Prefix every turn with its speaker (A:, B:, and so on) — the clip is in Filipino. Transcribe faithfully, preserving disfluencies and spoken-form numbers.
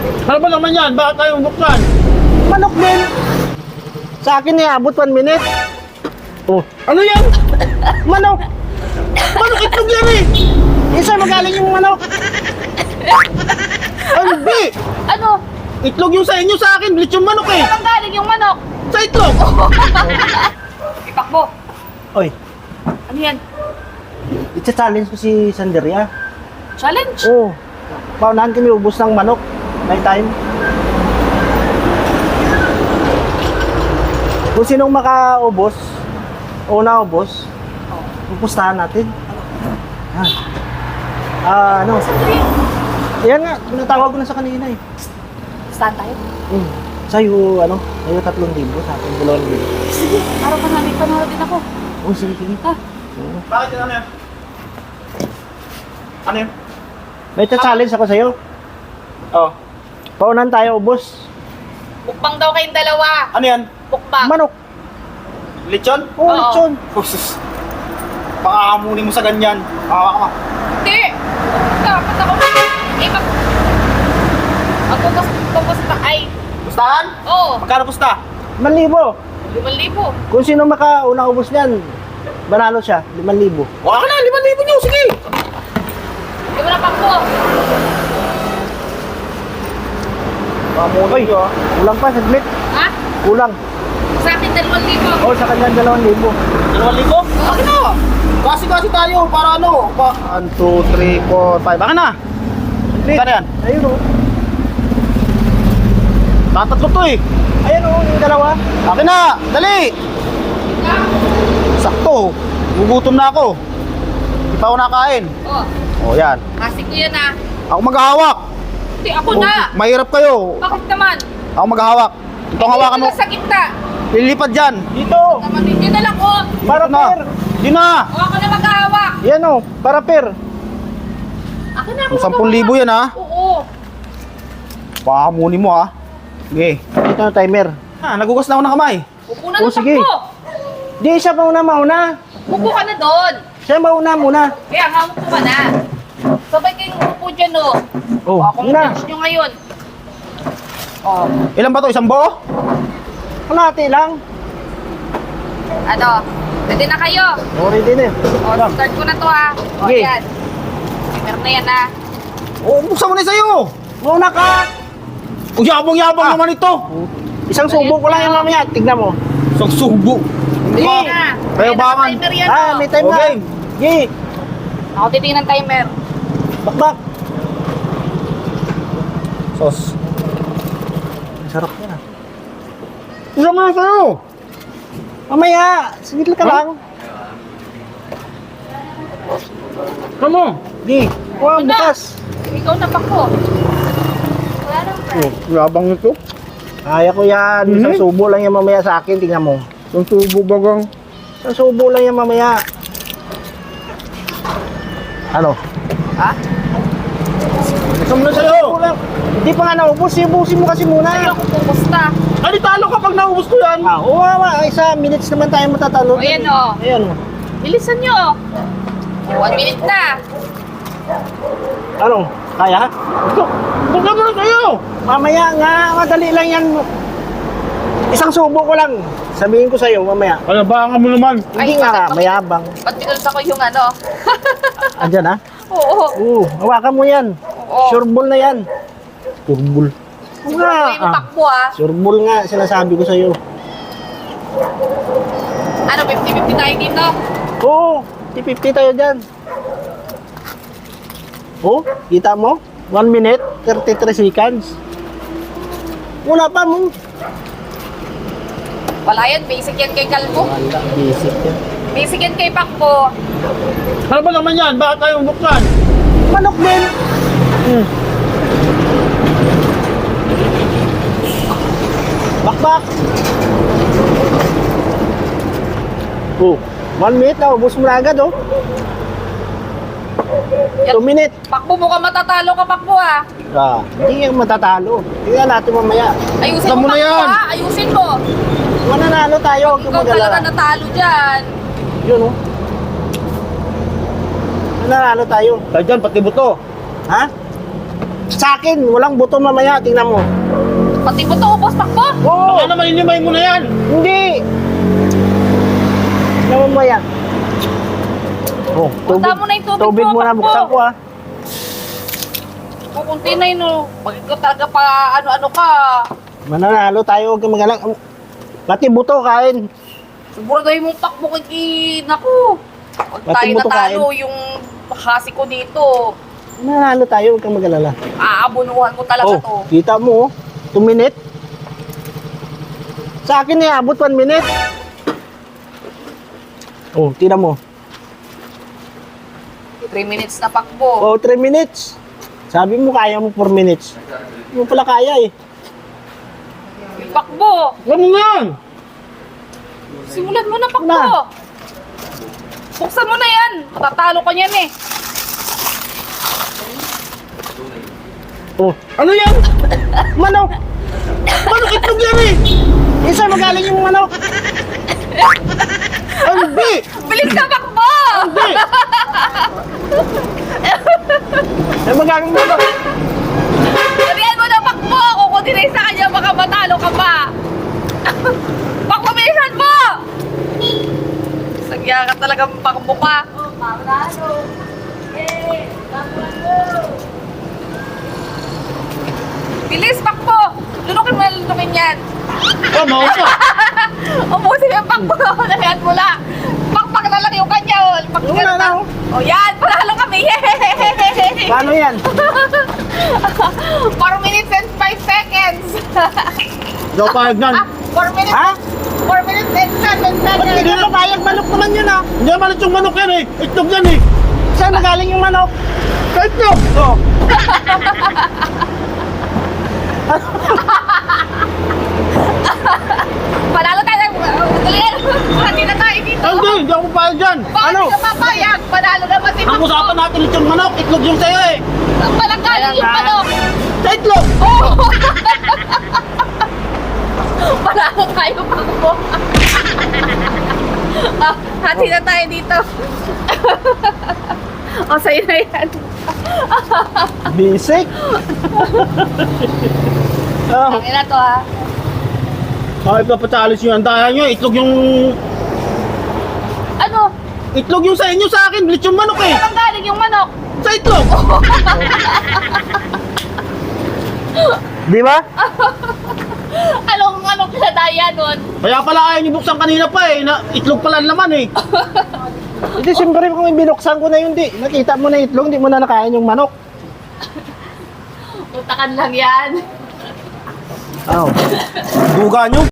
A: Ano ba naman yan? Bakit tayo buksan?
B: Manok din. Sa akin eh, abot one minute. Oh,
A: Ano yan?
B: manok.
A: Manok itlog yan eh!
B: Isa magaling yung manok.
A: Ay, hindi!
C: Ano?
A: Itlog yung sa inyo, sa akin, bleach yung manok eh!
C: Saan galing yung manok?
A: Sa itlog!
C: Ipakbo.
B: Oy,
C: Ano yan?
B: i-challenge ko si Sanderia.
C: Challenge?
B: Oh, paunahan kami ubos ng manok. Night time. Kung sinong makaubos, una ubos, pupustahan natin. Ah, ah ano? Yan nga, pinatawag ko na sa kanina eh.
C: Saan tayo?
B: Hmm. Sa'yo, ano, sa'yo tatlong libo, sa akin dalawang libo.
C: Sige, araw pa namin panahon din ako.
B: Oh, sige, sige.
C: Ha?
B: Oo.
A: Bakit yun? Ano yan? Ano yan?
B: May challenge ako sa'yo.
A: Oh.
B: Paunahan tayo ubos.
C: Mukbang daw kayong dalawa.
A: Ano yan?
C: Mukbang.
B: Manok.
A: Lechon?
B: Oh,
C: Oo.
B: lechon.
A: Oh, sus. Pakahamunin mo sa ganyan. Hawa ka.
C: Hindi. Dapat ako. Eh, mag... Magpupus... Pupus na... Ay.
A: Pustahan?
C: Oo.
A: Magkano pusta?
B: Limang libo.
C: Limang libo.
B: Kung sino makauna ubos niyan, banalo siya. Limang libo.
A: Wala ka na, limang libo nyo, sige!
C: Hindi mo na pakbo.
A: Pakamunin nyo ah.
B: Kulang pa, saglit.
C: Ha?
B: Kulang.
C: Sa akin, dalawang libo.
B: Oh, sa kanya dalawang libo.
A: Dalawang libo? Bakit na? Kasi-kasi tayo, para ano? Pa one, two, three, four, five. Bakit na?
B: Saglit.
A: Bakit yan?
B: Ayun oh.
A: Tatatlo to eh.
B: Ayun oh, yung dalawa.
A: Akin na, dali! Sakto, gugutom na ako. Hindi pa ako nakain.
C: Oh.
A: O yan.
C: Kasi ko yan ah.
A: Ako maghahawak.
C: Hindi, ako
A: Oh,
C: na.
A: mahirap kayo.
C: Bakit naman?
A: Ako maghahawak. Itong hawakan mo.
C: Dito na sa gitna.
A: Lilipad dyan.
B: Dito.
C: Naman din na lang oh.
B: Para
A: Dito na.
B: per.
A: Di na.
C: O ako na maghahawak.
B: Yan oh, para per.
C: Ako na ako
A: Sampung libo yan ha.
C: Oo.
A: Pakamunin mo ha. Sige.
B: Ito na timer.
A: Ah, nagugas na ako ng kamay.
C: Upo na
B: Oh,
C: ng
B: sige.
C: takbo.
B: Di, siya mauna mauna.
C: Upo ka na doon.
B: Siya mauna muna.
C: Kaya nga, upo ka na. Sabay kayong upo dyan oh.
B: Oh,
C: O, akong
B: na.
C: bench nyo ngayon. Oh.
A: Ilan ba to? Isang buo?
B: Kalahati lang.
C: Ano? Pwede na kayo.
B: Oh, ready na.
C: O, start ko na to ha. O,
B: Sige.
C: yan. Meron na yan ha.
A: Oo, buksan mo na sa'yo.
B: Mauna ka.
A: O, yabang-yabang
B: Ah.
A: naman ito.
B: Isang subo ko lang yung mamaya. Tignan mo.
A: Isang subo.
B: Hindi.
C: Ayan na.
A: Kaya
C: Ayan,
A: bangan.
C: naka-timer yan
B: Ah,
C: oh.
B: may time na.
A: Okay.
B: Gi.
C: Ako titingin ng timer.
B: Bakbak.
A: Sos.
B: Ang sarap yan ah.
A: Isa mo na sa'yo.
B: Mamaya, sigit ka
A: Huh?
B: lang.
A: Kamu.
B: Gi. Wow,
C: Wala.
B: bukas.
C: Ikaw na pa ko. Wala nang
A: Oh, yabang ito.
B: Kaya ko yan. Isang
A: Mhm.
B: subo lang yan mamaya sa akin. Tingnan mo.
A: Isang subo bagang.
B: Isang subo lang yan mamaya. Ano?
C: Ha?
A: Isa mo na sa'yo.
B: Subo lang. Hindi pa nga naubos. Ibusin mo kasi muna.
C: Ayoko pumusta.
A: Ay, di talo kapag naubos ko yan.
B: Ah, oo nga. Isa minutes naman tayo matatalo.
C: O, yan o.
B: Ayan o.
C: Bilisan nyo. One minute na.
B: Ano? Kaya?
A: Ito. Buksan mo na sa'yo.
B: Mamaya nga. Madali lang yan. Isang subo ko lang. Sabihin ko sa'yo mamaya.
A: Alabangan mo naman.
B: Hindi
C: Ay,
B: nga,
C: bakit-
B: mayabang.
C: Ba't pinulsa ko yung ano?
B: Andyan ha?
C: Oo.
B: Oo, hawakan mo yan.
C: Oo.
B: Sure ball na yan.
A: Turbul.
B: Oo
C: Siguro
B: nga.
C: ko yung
B: Ah,
C: takbo ha.
B: sure ball nga, sinasabi ko sa'yo.
C: Ano, fifty fifty tayo dito?
B: Oo, fifty fifty tayo dyan. Oh, kita mo? one minute, thirty-three seconds. Wala pa mo.
C: Wala yan, basic yan kay Kalbo.
B: Wala, basic yan.
C: Basic yan kay Pakbo.
A: Ano ba naman yan? Bakit tayo buksan?
B: Manok din. Hmm. Bakbak. Oh, one minute na, ubus mo na agad oh. two minute.
C: Pakbo mo ka matatalo ka, Pakbo ha.
B: Ah, hindi yan matatalo. Tingnan natin mamaya.
C: Ayusin
A: Alam
C: mo,
A: mo na
C: Pakbo
A: yan.
C: ha. Ayusin mo.
B: Mananalo tayo, huwag kang
C: Ikaw talaga
B: mag-alala.
C: natalo dyan.
B: Yun oh. Mananalo tayo.
A: Tayo dyan, pati buto.
B: Ha? Sa akin, walang buto mamaya. Tingnan mo.
C: Pati mo to, ubos takbo.
B: Oo.
A: Baka naman inimay mo na yan.
B: Hindi. Tingnan mo yan. Oh, tubig.
C: Punta mo na yung tubig
B: Tubig
C: mo,
B: muna,
C: takbo.
B: buksan ko ah.
C: Pupunti na yun, oh. Bakit ko talaga pa ano-ano ka?
B: Mananalo tayo, huwag kang mag-alala. Pati buto kain.
C: Siguraduhin mong takbo kay Naku. Pag
B: Pati
C: tayo
B: mo to
C: natalo, yung hasi ko dito,
B: Mananalo tayo, huwag kang mag-alala.
C: aabunuhan mo talaga to.
B: Oh, kita mo oh. two minute. Sa akin eh, abot one minute. Oh, tira mo.
C: three minutes na pakbo.
B: Oh, three minutes. Sabi mo kaya mo four minutes. Hindi mo pala kaya eh.
C: Pakbo!
A: Ganun yan.
C: Simulan mo na pakbo!
B: Na.
C: Buksan mo na yan! Matatalo ka niyan eh!
B: Oh,
A: Ano yan?
B: manok.
A: Manok itlog yan eh.
B: Isa magaling yung manok.
A: Hindi.
C: Bilis na pakbo!
A: Hindi.
B: Ay, magaling yung manok.
C: Sabihan mo na pakbo! Kung kundi sa kanya, baka matalo ka pa! Pakbo, bilisan mo! Sagya ka talagang pakbo ka. Oh, panalo! Yay! Bilis, pakbo! Lunukin mo na lunukin yan!
A: Tama ka.
C: Ubusin yung pakbo na mula. Pakpak na lang yung kanya. Oh. Pakpak
B: Wala na, oh.
C: Oh, yan. Panalo kami. Yay!
B: Paano yan?
C: four minutes and five seconds.
A: Hindi ako pahag yan.
C: Ah, four minutes.
B: Ha?
C: four minutes and seven
B: Ba't hindi
C: seconds.
B: mo kayag manok naman yun ah?
A: Hindi naman yung manok yan eh. Itlog yan eh.
B: Saan magaling yung manok?
A: Sa itlog.
B: Oh.
C: Panalo tayo. Dali. Hindi na tayo dito.
A: Hindi, hindi ako pahag yan.
C: Bakit
B: Ano?
C: hindi ka papayag? Panalo naman si
A: Ang
C: Pakbo.
A: usapan natin yung manok. Itlog yung sa'yo eh.
C: Palanggaling yung
B: Ayan,
C: manok.
A: Sa itlog.
C: Oh! Panalo tayo, Pakbo. Ah, hati na tayo dito. O, sa'yo na yan.
B: Basic. Oh.
C: Ang ina to, ha?
A: Kahit na patalis nyo, andahan nyo. Itlog yung...
C: Ano?
A: Itlog yung sa inyo sa akin. Bilis yung manok eh.
C: Saan galing yung manok?
A: Sa itlog.
B: Di ba?
C: Anong anong kinadaya nun?
A: Kaya pala ayaw nyo buksan kanina pa eh. Na, itlog pala naman eh.
B: Hindi, siyempre kung binuksan ko na yun, di. Nakita mo na itlog, di mo na nakain yung manok.
C: Utakan lang yan.
B: Oh.
A: Duga nyo.